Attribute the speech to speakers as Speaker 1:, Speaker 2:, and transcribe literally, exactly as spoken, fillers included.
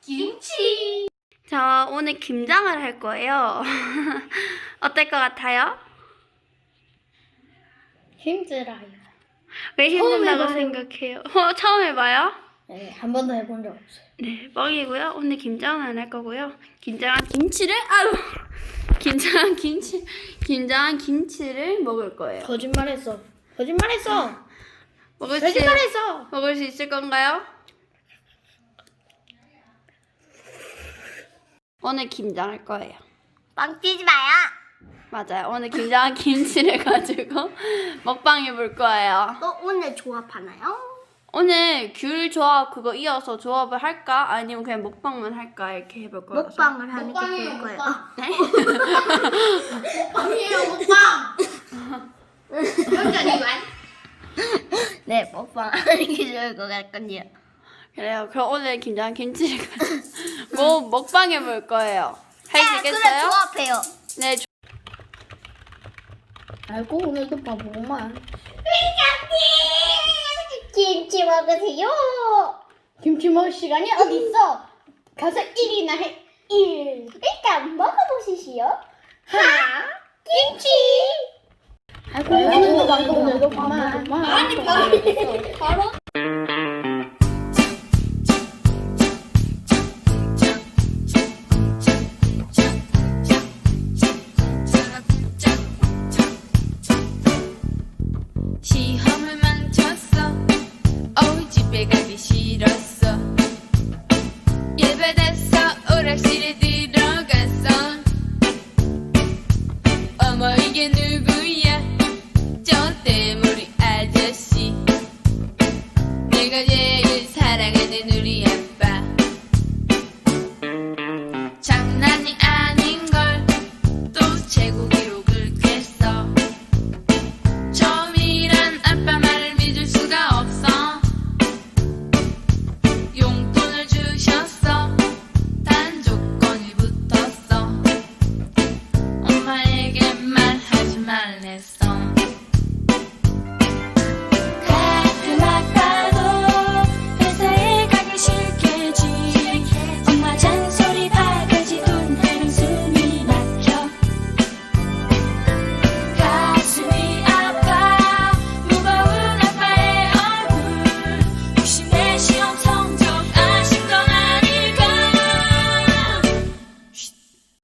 Speaker 1: 김치.
Speaker 2: 자, 오늘 김장을 할 거예요. 어떨 것 같아요?
Speaker 1: 힘들어요.
Speaker 2: 왜 힘든다고
Speaker 1: 해봐요.
Speaker 2: 생각해요? 어, 처음 해봐요?
Speaker 1: 네, 한 번도 해본 적 없어요.
Speaker 2: 네, 뻥이고요. 오늘 김장을 할 거고요. 김장한 김치를 아유, 김장한 김치, 김장한 김치를 먹을 거예요.
Speaker 1: 거짓말했어. 거짓말했어.
Speaker 2: 먹을 수
Speaker 1: 거짓말했어.
Speaker 2: 먹을 수 있을 건가요? 오늘 김장할 거예요.
Speaker 1: 빵 뛰지 마요.
Speaker 2: 맞아요. 오늘 김장한 김치를 가지고 먹방 해볼 거예요.
Speaker 1: 너 오늘 조합하나요?
Speaker 2: 오늘 귤 조합 그거 이어서 조합을 할까? 아니면 그냥 먹방만 할까? 이렇게 해볼 거예요.
Speaker 1: 먹방을 하는 게 좋을 거예요.
Speaker 2: 네?
Speaker 1: 먹방이에요, 먹방. 네, 먹방 하는 게 좋을 것 같군요.
Speaker 2: 그래요. 그럼 오늘 김장 김치를 가지고 뭐 먹방 해볼 거예요. 할 수
Speaker 1: 그래,
Speaker 2: 있겠어요?
Speaker 1: 조합해요.
Speaker 2: 네. 조...
Speaker 1: 알고 오늘도 바보구만. 회장님! 김치 먹으세요. 김치 먹을 시간이 어디 있어? 가서 일이나 해. 일. 일단 먹어보시시오. 하! 김치! 알고 오늘도 방금 오늘도 바보구만. 아니, 바로. 바로?
Speaker 3: 시험을 망쳤어. 어우 집에 가기 싫었어. 예배돼서 오락실에 들